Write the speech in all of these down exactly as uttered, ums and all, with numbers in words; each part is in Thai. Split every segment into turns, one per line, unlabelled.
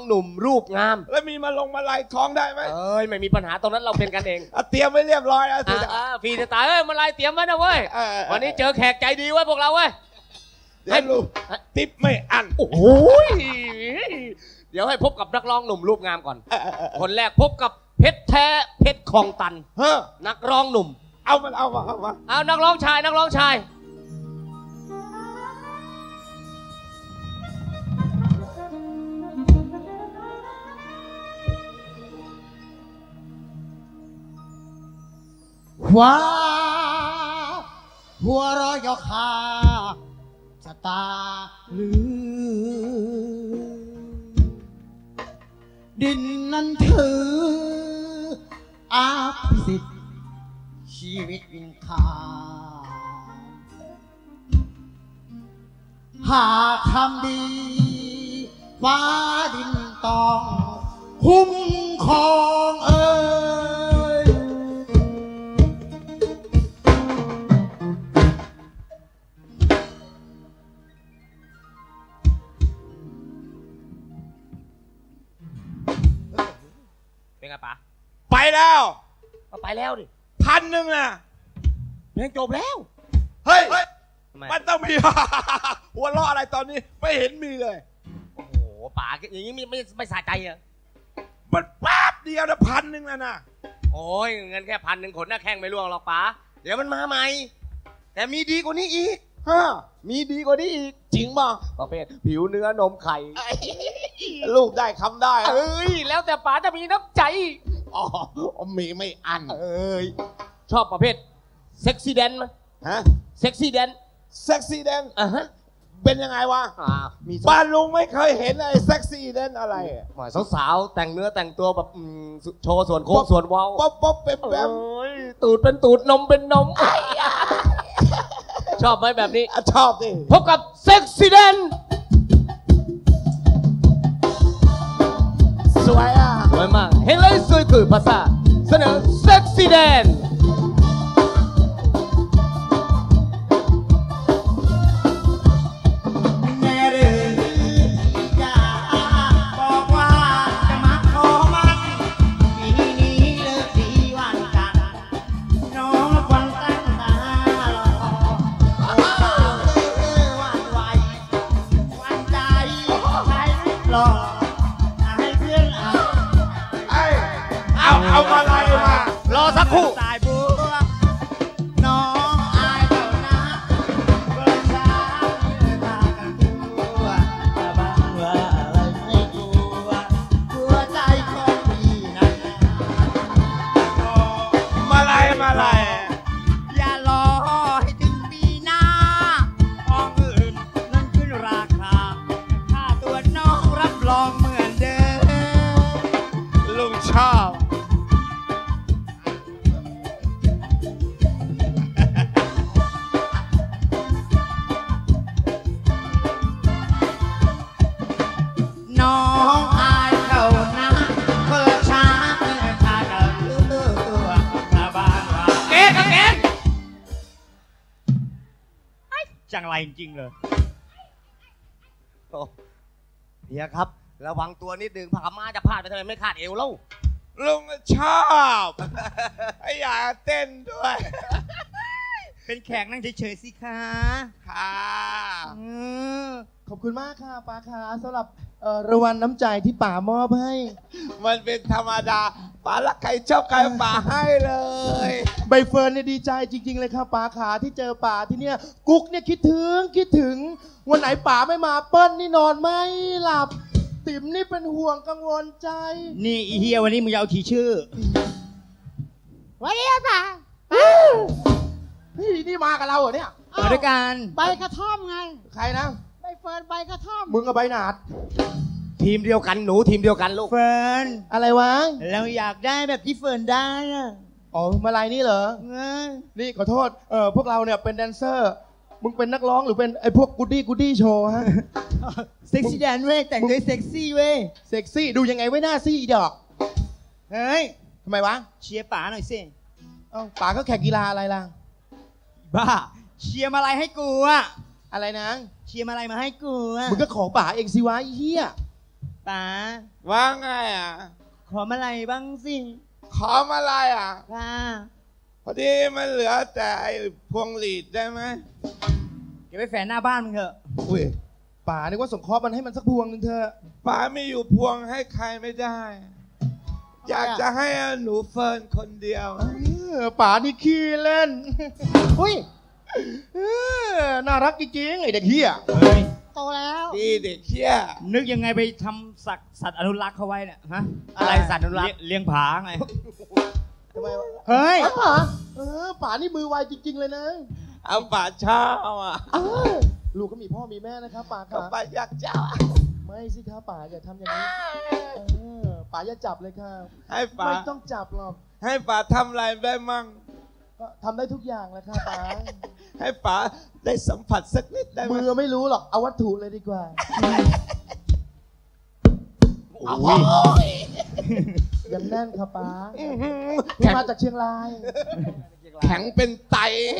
หนุ่มรูปงาม
แล้วมีมาลงมาลายท้องได้ไหม
เอ้ยไม่มีปัญหาตรงนั้นเราเป็นกันเอง
เตรียมไว้เรียบร้อยแล้วสิ
ฟรีจะตายเอ้ยมาลายเตรียมไว้นะเว้ยวันนี้เจอแขกใจดีไว้พวกเราเว้ย
ให้ลูกติ๊บไม่อัน
โอ้โหเดี๋ยวให้พบกับนักร้องหนุ่มรูปงามก่อนคนแรกพบกับเพชรแท้เพชรคลองตัน
เฮ้อ
นักร้องหนุ่ม
เอามันเอามาเอามา
เอานักร้องชายนักร้องชาย
ว้าหัวเรอยคาสตาลือดินนั้นถืออาภิสิทธิ์ชีวิตวินคาหากทำดีฟ้าดินต้องคุ้มครองเอ่ย
เป็นไงป๋า
ไปแล้ว
ก็ไปแล้วดิ
พันหนึ่งนะ
เพลงจบแล้ว
เฮ้ยมันต้องมีหัวเราะอะไรตอนนี้ไม่เห็นมีเลย
โอ้โหป๋าอย่างนี้ไม่ไม่ไม่สะใจอ่ะ
มันแป๊บเดียวนะพันหนึ่งแล้วนะ
โอ้ยเงินแค่พันหนึ่งขนหน้าแข้งไม่ร่วงหรอกป๋าเดี๋ยวมันมาใหม่แต่มีดีกว่านี้อีก
ฮะ
มีดีกว่านี้อีก
จริงป่ะ
ประเภทผิวเนื้อนมไข่
ลูกได้คำได้
เอ้ยแล้วแต่ป๋าจะมีน้ำใจ
อ๋อมีไม่อัน
เอ้ยชอบประเภทเซ็กซี่แดนไหม
ฮะ
เซ็กซี่แดน
เซ็กซี่แดน
อ่ะฮะ
เป็นยังไงวะบ้านลุงไม่เคยเห็นไอ้เซ็กซี่แดนอะไร
สาวๆแต่งเนื้อแต่งตัวแบบโชว์ส่วนโค้งส่วนเว้า
ป๊อปป๊อปเป็นแบบ
ตูดเป็นตูดนมเป็นนมชอบไหมแบบนี้
ชอบดิ
พบกับเซ็กซี่แดน
สวยอ่ะ
สวยมากเห็นเลยสวยคือภาษาเสนอเซ็กซี่แดน
เอามาอะไรมาร
อสักครู่
ตายบัวน้องอายเจ้านะเปิดช้าตากันตัวแต่บางว่าอะไรไม่กลัวหัวใจของพี่นั้น
มาอะไรมาอะไร
อย่ารอให้ถึงปีหน้าของอื่นนั้นขึ้นราคาค่าตัวน้องรับรองเหมือนเดิม
ลุงชอบ
น้องอายเขานะเปิดช้าเปิดช้ากันตัวชาวบ้านว่า
เก๊กเก๊ก
จังไรจริงเลย
โอ้เฮียครับระวังตัวนิดนึงผักมาจะพลาดไปทำไมไม่คาดเอวเล่า
ลุงชอบไอ้อยากเต้นด้วย
เป็นแขกนั่งเฉยๆสิคะ
ค่ะ
ขอบคุณมากค่ะป้าค่ะสำหรับรางวัลน้ำใจที่ป๋ามอบให้
มันเป็นธรรมดาป๋ารักใครชอบใครป๋าให้เลย
ใบเฟิร์นเนี่ยดีใจจริงๆเลยค่ะป๋าขาที่เจอป๋าที่เนี่ยกุ๊กเนี่ยคิดถึงคิดถึงวันไหนป๋าไม่มาเปิ้ลนี่นอนไม่หลับติ๋มนี่เป็นห่วงกังวลใจนี่อีเฮียวันนี้มึงจะเอาขี่ชื่อ
วันนี้ป๋า
พี่นี่มากับเราเหรอเนี่ยมาด้วยกัน
ใบกระท่อมไง
ใครนะ
ใบเฟิร์นใบกระท่อม
มึงกับใบหนาด
ทีมเดียวกันหนูทีมเดียวกันลูก
เฟิร์นอะไรวะเราอยากได้แบบที่เฟิร์นได้อะอ๋อมาลายนี่เหรอนี่ขอโทษเออพวกเราเนี่ยเป็นแดนเซอร์มึงเป็นนักร้องหรือเป็นไอ้พวกกูดี้กูดี้โชว์ฮะเซ็กซี่แดนเว้ยแต่งด้วยเซ็กซี่เว้ยเซ็กซี่ดูยังไงไว้หน้าซี่อีดอกเฮ้ยทำไมวะเชียร์ป๋าหน่อยสิเอ้าป๋าก็แข่งกีฬาอะไรล่ะบ้าเชียร์อะไรให้กูอะอะไรนะเชียร์อะไรมาให้กูอะมึงก็ขอป๋าเองสิวะไอ้เหี้ยไป
ป๋า
ว่าไงอ่ะ
ขอมาอะไรบ้างสิ
ขอมาอะไรอ่ะ
ค่ะ
พอดีมันเหลือแต่ไอ้พวงหลีดได้ไหม
เก็บไว้แฝนหน้าบ้านมึงเถอะ
อุ้ยป๋านึกว่าสงเคราะห์มันให้มันสักพวงนึงเถอะ
ป๋าไม่อยู่พวงให้ใครไม่ได้ อยากจะให้หนูเฟิร์นคนเดียว
เออป๋านี่ขี้เล่น
อุ้ย
เออน่ารักจริงๆไอเด็กเฮีย
เฮ้ย
โตแล้ว
ดีเด็กเชี่ย
นึกยังไงไปทำสัตว์สัตว์อนุรักษ์เขาไว้เนี่ยฮะ
อะไรสัตว์อนุรักษ์
เลี้ยเลี้ยงผาไง
ทำไมวะ
เฮ้ย
เอ้าป๋าเออป๋านี่มือไวจริง ๆ เลยนะ
เอาป๋าเช่าอ่ะ
เออลูกก็มีพ่อมีแม่นะครับป๋าค
เอา
รับ
ป๋าอยากเช่าอ่ะ
ไม่สิครับป๋าอย่าทำอย่างนี้เออป๋าอย่าจับเลยครับ
ให้ป๋า
ไม่ต้องจับหรอก
ให้ป๋าทำอะไรได้มั่ง
ก็ทำได้ทุกอย่างแหละครับป๋า
ให้ป๋าได้สัมผัสสักนิดได้ไหม
มือไม่รู้หรอกเอาวัตถุเลยดีกว่า
โอ้ย
ยังแน่นครับป๋า
อื้อหือ
เพิ่งมาจากเชียงราย
แข็งเป็นไต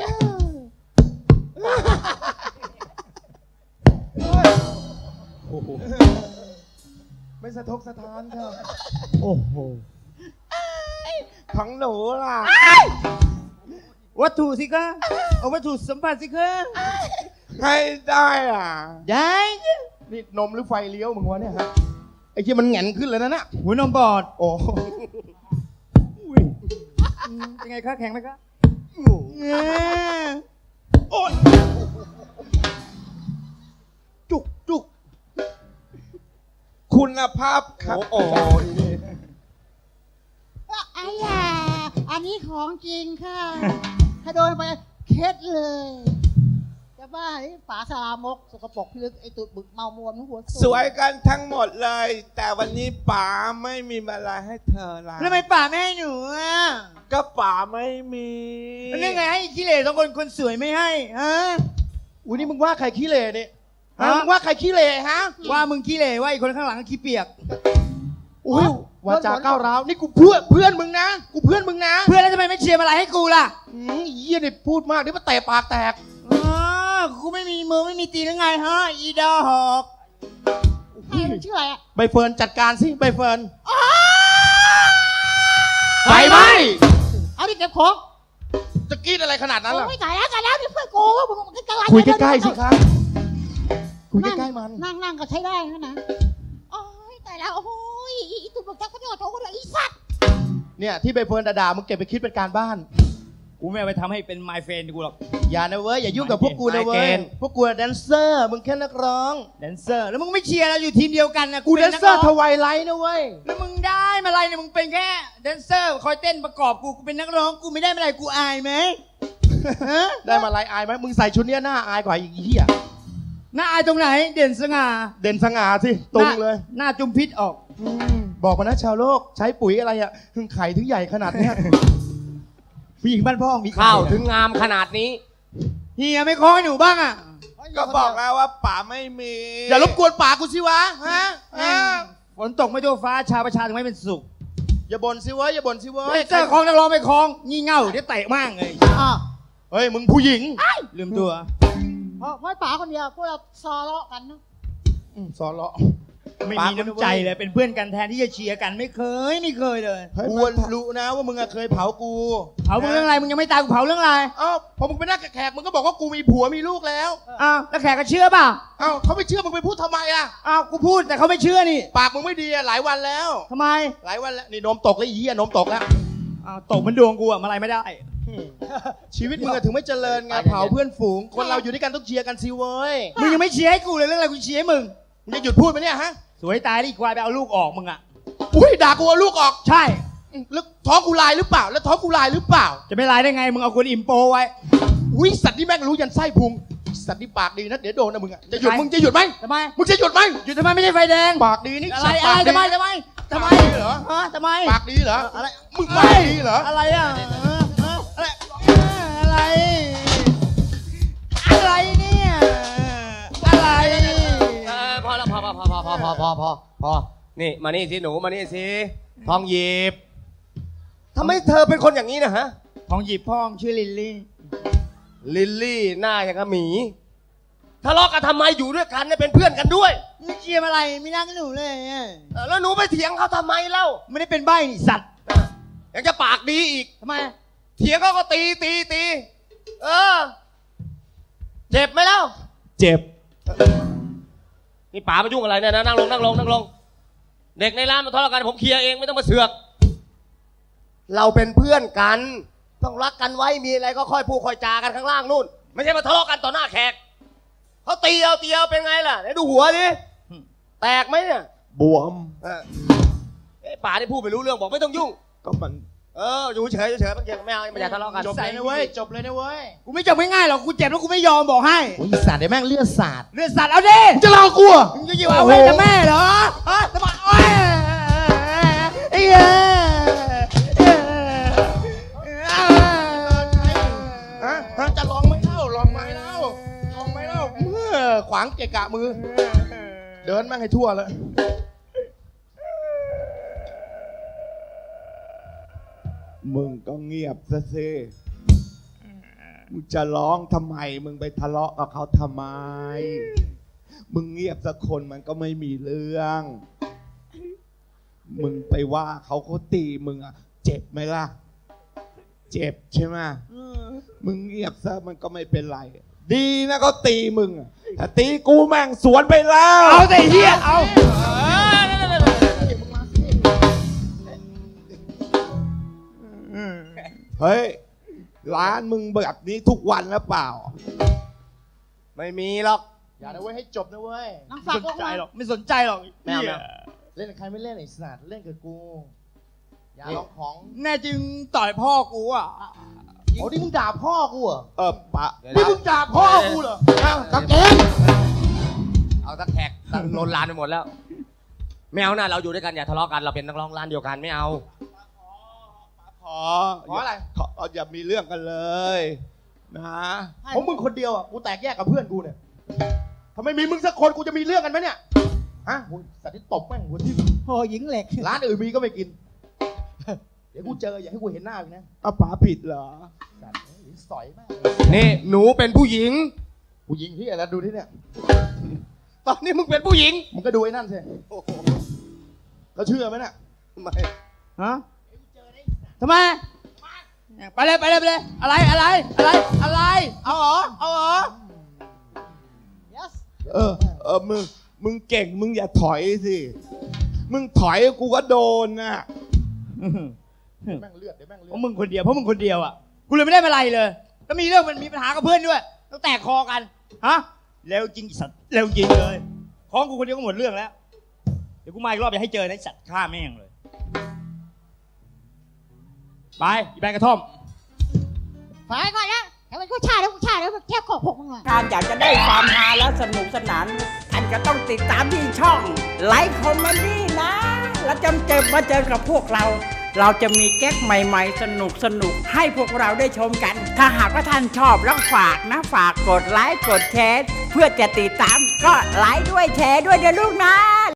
ไม่สะทกสะท้านครับ
โอ้โห
ของหนูล่ะ
วัตถุสิคะเอาวัตถุสัมผัสสิคะ
ให้ได้อ่ะ
ได้
นี่นมหรือไฟเลี้ยวมึงวะเนี่ยฮะไอ้ที่มันแหงนขึ้นเลยนะน่ะ
หัวนมบอด
โอ้
อืมเป็นไงคะแข็งไหมคะ
โอ้ยจุกจุก
คุณภาพครับ
โอ้โหนี่
ไอ้ยาอันนี้ของจริงค่ะ ถ้าโดนไปเคล็ดเลยจะบ้าไอ้ฝาสลามกสกปรกพิลึกไอ้ตุดบึกเมามวมหัว
สวยกันทั้งหมดเลย แต่วันนี้ป๋าไม่มีอะไรให้เธอละ
แล้วทำไมป่าไม่ให้หนูอ่ะ
ก็ป๋าไม่มี
แล้วนี่ไงให้ขี้เหร่สองคนคนสวยไม่ให้ฮะ
อุ้ยนี่มึงว่าใครขี้เหร่เนี่ยฮะ
ฮะ
มึงว่าใครขี้เหร่ฮะ
ว่ามึงขี้เหร่ว่าไอ้คนข้างหลังขี้เปียก
อุ้ยวาจาก้าวร้าวนี่กูเพื่อนเพื่อนมึงนะ กูเพื่อนมึงนะ
เพื่อนแล้วทำไมไม่เชียร์อะไรให้กูล่ะ
อืมเยี่ยนี่พูดมากนี่มาเตะปากแตก
อ๋อกูไม่มีมือไม่มีตีนหรือไงฮะอีดอหอก
ใครมันชื่ออะไรอ่ะ
ใบเฟิร์นจัดการสิใบเฟิร์น
ไฟไหม
เอาดิเก็บของ
จะกรีดอะไรขนาดนั้นล่ะ
โอ้ยตายแล้วตายแล้วนี่เพื่อนกูมึงมึงจะอะไร
คุยใกล้ๆสิครับคุยใกล้ๆมัน
นั่งนั่งก็ใช้ได้นะนะโอ้ยตายแล้วโอ้ยอีตุ่มบอกจักก็จะโทรกันเลยอีสัตว์
เนี่ยที่ใบเฟิร์นด่าๆมึงเก็บไปคิดเป็นการบ้าน
กูไม่เอาไปทำให้เป็น my friend กูหรอก
อย่านะเว้ยอย่ายุ่งกับพวกกูนะเว้
ไม่
ย
เกณฑ์
พวกกูแดนเซอร์มึงแค่นักร้อง
แดนเซอร์แล้วมึงไม่เชียร์เราอยู่ทีมเดียวกันนะ
กูแด
ป็
นเซอร์
ก
ท
ง
วายไลท์นะเว้ย
แล้วมึงได้มาอะไรเนี่ยมึงเป็นแค่แดนเซอร์คอยเต้นประกอบกูกูเป็นนักร้องกูไม่ได้มาอะไรกูอายไหมฮะ
ได้มาไลน์อายไหมมึงใส่ชุดเนี้ยหน้าอายกว่าอีกเหี้ย
หน้าอายตรงไหน เด่นสง่า
เด่นสง่าสิตรงเลย
หน้าจุมพิษออก
อืมบอกมานะชาวโลกใช้ปุ๋ยอะไรอ่ะถึงไข่ถึงใหญ่ขนาดเนี้ย
ผู้หญิงบ้านพ่อมี
ข้าวถึงงามขนาดนี้
เฮียไม่คอให้หนูบ้างอ่ะ
ก็บอกแล้วว่าป๋าไม่มี
อย่ารบกวนปากกูสิวะฮะฮะ
ฝนตกไม่ทั่วฟ้าชาวประชาถึงไม่เป็นสุข
อย่าบ่นสิเว้ยอย่าบ่นสิเว้
แด
ย
นเซอร์คลองนักร้องไม่คลองงี่เง่าเดี๋ยวเตะมั่งเลย
อ่ะ
เฮ้ยมึงผู้หญิง
ลืมตัว
เพราะเพราะป๋าคนเดียวพวกเราซอเลาะกันนะ
อืมสอนเลาะ
ไม่มีน้ำใจเลยเป็นเพื่อนกันแทนที่จะเชียร์กันไม่เคยไม่เคยเลย
กูรู้นะว่ามึงอะเคยเผากู
เผามึงเรื่องอะไรมึงยังไม่ตายกูเผาเรื่องอะไร
เอ้าพอมึงไปนั่งกับแขกมึงก็บอกว่ากูมีผัวมีลูกแล้ว
อ้าวแล้วแขกก็เชื่อเปล่า
เอ้าเขาไม่เชื่อมึงไปพูดทำไมล่ะ
อ้าวกูพูดแต่เขาไม่เชื่อนี่
ปากมึงไม่ดีอะหลายวันแล้ว
ทำไม
หลายวันแล้วนี่นมตกแล้วอีอะนมตกแล้ว
อ้าวตกมันดวงกูอะมาอะไรไม่ได้
อืมชีวิตมึงอะถึงไม่เจริญไงเผาเพื่อนฝูง คนเราอยู่ด้วยกันต้องเชียร์กันสิเว้ย
มึงยังไม่เชียร์ให้กูเลยเรื่องอะไรกูเชียร์ให้มึง
มึงจะหยุดพูดไหมเนี่ยฮะ
สวยตายดิควายไปเอาลูกออกมึงอะ
อุ้ยด่ากูเอาลูกออก
ใช่
อืมแล้วท้องกูลายหรือเปล่า แล้วท้องกูลายหรือเปล่า
จะไม่ลายได้ไงมึงเอาคนอิ่มโปไว้
อุ้ยสัตว์นี่แม่งรู้ยันไส้พุงสัตว์นี่ปากดีนะเดี๋ยวโดนนะมึงอะจะหยุด
ใคร
มึงจะหยุดไหม
ทำไม
มึงจะหยุดไหม
หยุดทำไมไม่ใช่ไฟแดง
ปากดีนี่
อะไร
สัตว์
อะ
ปา
ไร
กดี
ทำไมทำไมทำไม
ปากดีเหรอ
ฮะทำไม
ปากดีเหรอ
อะไร
มึงปากดีเหรอ
อะไรอะเออเอออะไรอะไรอะไรเนี่ยอะไร
เออพอแล้วพอพอพอพอพอพอพอพอพอนี่มานี่สิหนูมานี่สิทองหยิบทำไมเธอเป็นคนอย่างนี้นะฮะ
ของหยิบพ่องชื่อลิลลี่
ลิลลี่หน้าอย่างกับหมีทะเลาะกันทำไมอยู่ด้วยกันเนี่ยเป็นเพื่อนกันด้วย
มึงเชียร์อะไรไม่นั่งกับหนูเลยอะ
เออแล้วหนูไปเถียงเขาทำไมเล่า
ไม่ได้เป็นใบ้นี่สัตว์
ยังจะปากดีอีก
ทำไม
เถียงเขาก็ตีตีตีเออเจ็บไหมเล่า
เจ็บ
นี่ป๋ามายุ่งอะไรเนี่ยนะนั่งลงนั่งลงนั่งลงเด็กในร้านมาทะเลาะกันผมเคลียร์เองไม่ต้องมาเสือกเราเป็นเพื่อนกันต้องรักกันไว้มีอะไรก็ค่อยพูดค่อยจากันข้างล่างนู่นไม่ใช่มาทะเลาะกันต่อหน้าแขกเขาตีเอาตีเอาเป็นไงล่ะไหนดูหัวดิแตกไหมเนี่ย
บวม
เออไอ้ป๋าที่พูดไม่รู้เรื่องบอกไม่ต้องยุ่ง
ก็มัน
เอออยู่เฉยเฉยมันเก่งไม่เอาไม่อยากทะเลาะกัน
จบเลยนะเว้ย จบเลยนะเว้ย
กูไม่จบง่ายๆหรอกกูเจ็บแล้วกูไม่ยอมบอกให้
โอ้ยสัตว์เดี๋ยวแม่งเลือดสาด
เลือดสัตว์เอาดิ
มึงจะรอกูเหรอ
มึงจะอยู่เอาไว้กับแม่เหรอฮะทำไมโอ้ยไอ้เหี้ย
ฮะฮะจะลองไหมเล่าลองไหมเล่าลองไหมเล่าเมื่อขวางเกะกะมือ เดินแม่งให้ทั่วเลย
มึงก็เงียบซะสิมึงจะร้องทำไม มึงไปทะเลาะกับเขาทำไม มึงเงียบสักคนมันก็ไม่มีเรื่อง มึงไปว่าเขาเขาตีมึงอะเจ็บไหมล่ะ เจ็บใช่ไหมมึงเงียบซะมันก็ไม่เป็นไร ดีนะเขาตีมึงอะถ้าตีกูแม่งสวนไปแล้ว
เอาแต่เหี้ยเอา
เฮ้ย ร้านมึงแบบนี้ทุกวันแล้วเปล่า
ไม่มีหรอก
อย่านะเว้ยให้จบนะเว้ย
น้อง
ไม่
ฝาก
สน
ลง
ใจ
มา
หรอกไม่สนใจหรอก
ไม่เอา
เหี้ย
ไม่เอา
เล่นกับใครไม่เล่นไอ้สัตว์เล่นกับกู อย่าลองของ
แน่จริงต่อยพ่อกูอ่ะ
โอ้นี่มึงด่าพ่อกูเหรอ
เออปะ
นี่มึงด่าพ่อกูเหรออ้าวกางเกง
เอาตะแขกตะโลนลานไปหมดแล้วไม่เอานะเราอยู่ด้วยกันอย่าทะเลาะกันเราเป็นนักร้องร้านเดียวกันไม่เอา
ขอ
ขออะไร
ขออย่ามีเรื่องกันเลย นะ
เพราะมึงคนเดียวอ่ะ กูแตกแยกกับเพื่อนกูเนี่ยถ้าไม่มีมึงสักคนกูจะมีเรื่องกันไหมเนี่ย ฮะมึงสัตว์ที่ตบแม่งหัวที่
โอ้หญิงเหล็ก
ร้านอื่นมีก็ไม่กิน เดี๋ยวกูเจออย่าให้กูเห็นหน้าอีกนะ
เอาป๋าผิดเหรอ
สัตว์หรือสอยมาก
นี่หนูเป็นผู้หญิง
กูยิงที่อะไรดูที่เนี่ย
ตอนนี้มึงเป็นผู้หญิง
มึงก็ดูไอ้นั่นสิเขาเชื่อไหมน่ะ
ไม่
ฮะทำไมไปเลยไปเลยไปเลย อะไรอะไรอะไรอะไร เอาเหรอเอาเหรอ
yes
เออ เออ มึง มึงเก่ง มึงอย่าถอยสิ มึงถอยกูก็โดนน่ะ
แม่งเลือดเดี๋ยวแม่งเลื
เพ
อด
ราะมึงคนเดียวเพราะมึงคนเดียวอ่ะกูเลยไม่ได้อะไรเลยแล้วมีเรื่องมันมีปัญหากับเพื่อนด้วยต้องแตกคอกันฮะเร็วจริงไอ้สัตว์เร็วจริงเลยของกูคนเดียวก็หมดเรื่องแล้วเดี๋ยวกูมาอีกรอบอย่าให้เจอนะไอ้สัตว์ฆ่าแม่งเลยไปอีแบงกระท่อม
ฝายก่อนนะแต่มันกูชาแล้วกูชาแล้วมันแค่ขอบหกมึงหน่อย
การอยากจะได้ความฮาและสนุกสนานท่านก็ต้องติดตามที่ช่องไลฟ์คอมเมดี้นะ แล้วจำเจอมาเจอกับพวกเรา เราจะมีแก๊กใหม่ๆ สนุกสนุกๆให้พวกเราได้ชมกัน ถ้าหากว่าท่านชอบแล้วฝากนะ ฝากกดไลค์กดแชร์เพื่อจะติดตามก็ไลค์ด้วยแชร์ด้วยเดี๋ยวลูกนะ